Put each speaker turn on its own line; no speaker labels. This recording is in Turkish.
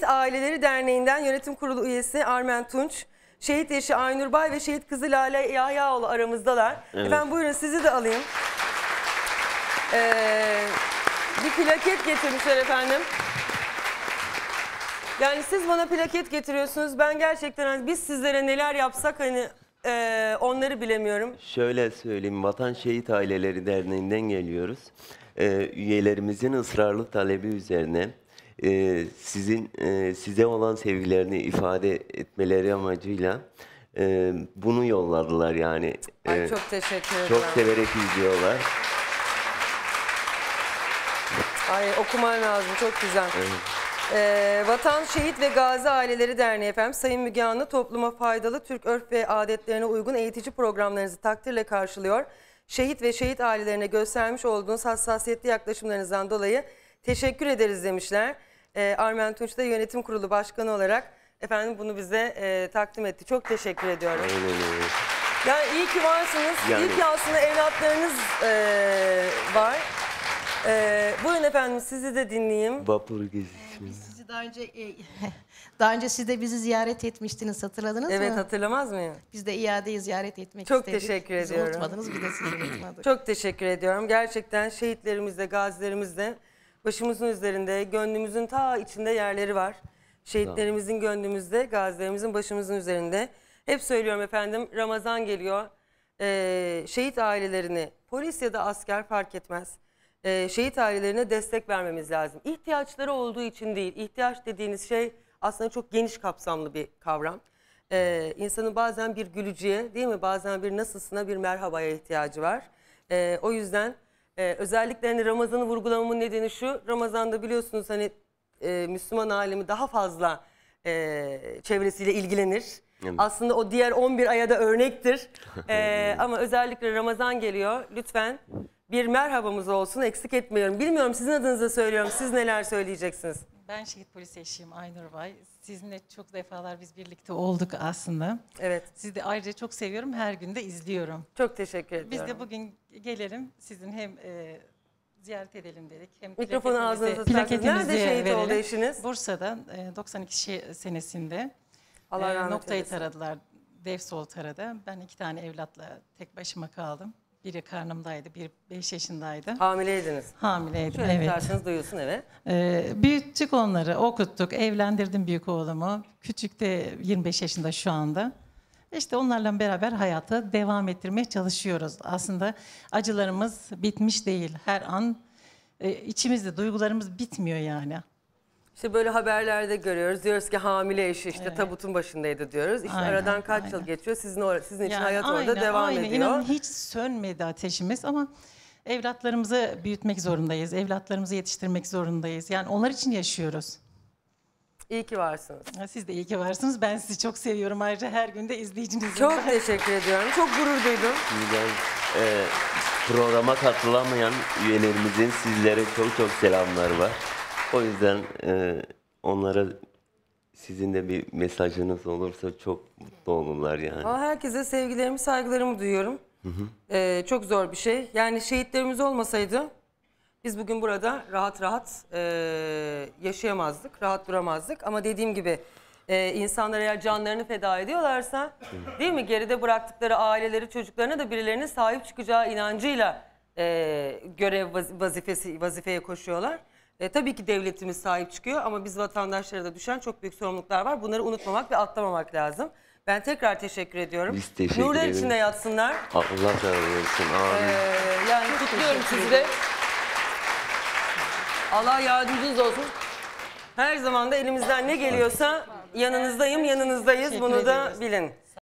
Aileleri Derneği'nden yönetim kurulu üyesi Armen Tunç, şehit eşi Aynur Bay ve şehit kızı Lale Yahyaoğlu aramızdalar. Evet. Efendim buyurun sizi de alayım. Bir plaket getirmişler efendim. Yani siz bana plaket getiriyorsunuz. Ben gerçekten hani biz sizlere neler yapsak hani onları bilemiyorum.
Şöyle söyleyeyim, Vatan Şehit Aileleri Derneği'nden geliyoruz. Üyelerimizin ısrarlı talebi üzerine size olan sevgilerini ifade etmeleri amacıyla bunu yolladılar yani.
Ay, çok teşekkür ederim.
Çok severek izliyorlar.
Ay okuman lazım, çok güzel. Evet. Vatan Şehit ve Gazi Aileleri Derneği efendim, Sayın Müge Anlı topluma faydalı Türk örf ve adetlerine uygun eğitici programlarınızı takdirle karşılıyor. Şehit ve şehit ailelerine göstermiş olduğunuz hassasiyetli yaklaşımlarınızdan dolayı teşekkür ederiz demişler. Armen Tunç da yönetim kurulu başkanı olarak efendim bunu bize takdim etti. Çok teşekkür ediyorum. Yani iyi ki varsınız. Yani... İyi ki aslında evlatlarınız var. Buyurun efendim sizi de dinleyeyim.
Vapur gezisi.
Biz sizi daha önce siz de bizi ziyaret etmiştiniz, hatırladınız mı?
Evet, hatırlamaz mıyım?
Biz de iadeyi ziyaret etmek
çok
istedik.
Çok teşekkür
bizi
ediyorum.
Unutmadınız, bir de sizi unutmadık.
Çok teşekkür ediyorum. Gerçekten şehitlerimizde, gazilerimizde başımızın üzerinde, gönlümüzün ta içinde yerleri var. Şehitlerimizin gönlümüzde, gazilerimizin başımızın üzerinde. Hep söylüyorum efendim, Ramazan geliyor. Şehit ailelerini, polis ya da asker fark etmez. Şehit ailelerine destek vermemiz lazım. İhtiyaçları olduğu için değil. İhtiyaç dediğiniz şey aslında çok geniş kapsamlı bir kavram. İnsanın bazen bir gülücüye, değil mi? Bazen bir nasılsına, bir merhabaya ihtiyacı var. O yüzden özellikle hani Ramazan'ı vurgulamamın nedeni şu. Ramazan'da biliyorsunuz hani Müslüman alemi daha fazla çevresiyle ilgilenir. Evet. Aslında o diğer 11 aya da örnektir. Ama özellikle Ramazan geliyor. Lütfen bir merhabamız olsun, eksik etmiyorum. Bilmiyorum, sizin adınıza söylüyorum. Siz neler söyleyeceksiniz?
Ben şehit polis eşiyim Aynur Bay. Sizinle çok defalar biz birlikte olduk aslında.
Evet.
Sizi de ayrıca çok seviyorum. Her gün de izliyorum.
Çok teşekkür ediyorum.
Biz de bugün gelelim. Sizin hem ziyaret edelim dedik. Hem
mikrofonu ağzınıza tutarsanız. Nerede şehit oldu eşiniz?
Bursa'da 92 senesinde
Allah rahmet
noktayı
eylesin.
taradılar. Defsol taradı. Ben 2 tane evlatla tek başıma kaldım. Biri karnımdaydı, biri 5 yaşındaydı.
Hamileydiniz.
Hamileydim,
şöyle
evet.
tutarsanız duyulsun, evet.
Büyüttük onları, okuttuk, evlendirdim büyük oğlumu. Küçük de 25 yaşında şu anda. İşte onlarla beraber hayata devam ettirmeye çalışıyoruz. Aslında acılarımız bitmiş değil. Her an içimizde duygularımız bitmiyor yani.
İşte böyle haberlerde görüyoruz. Diyoruz ki hamile eşi işte tabutun başındaydı diyoruz. İşte aradan kaç yıl geçiyor. Sizin için hayat orada devam ediyor.
İnanın hiç sönmedi ateşimiz ama evlatlarımızı büyütmek zorundayız. Evlatlarımızı yetiştirmek zorundayız. Yani onlar için yaşıyoruz.
İyi ki varsınız.
Siz de iyi ki varsınız. Ben sizi çok seviyorum. Ayrıca her gün de izleyicinizim.
Çok teşekkür ediyorum. Çok gurur duydum.
Programa katılamayan üyelerimizin sizlere çok selamlar var. O yüzden onlara sizin de bir mesajınız olursa çok mutlu olurlar yani.
Herkese sevgilerimi, saygılarımı duyuyorum. Çok zor bir şey. Yani şehitlerimiz olmasaydı biz bugün burada rahat yaşayamazdık, rahat duramazdık. Ama dediğim gibi insanlar eğer canlarını feda ediyorlarsa, değil mi? Geride bıraktıkları aileleri, çocuklarına da birilerinin sahip çıkacağı inancıyla görev vazifeye koşuyorlar. Tabii ki devletimiz sahip çıkıyor ama biz vatandaşlara da düşen çok büyük sorumluluklar var. Bunları unutmamak ve atlamamak lazım. Ben tekrar teşekkür ediyorum.
Biz teşekkür ederiz.
Nurlar içinde yatsınlar.
Allah razı olsun.
Yani kutluyorum sizi de. Allah yardımcınız olsun. Her zaman da elimizden ne geliyorsa yanınızdayım, yanınızdayız. Bunu da bilin.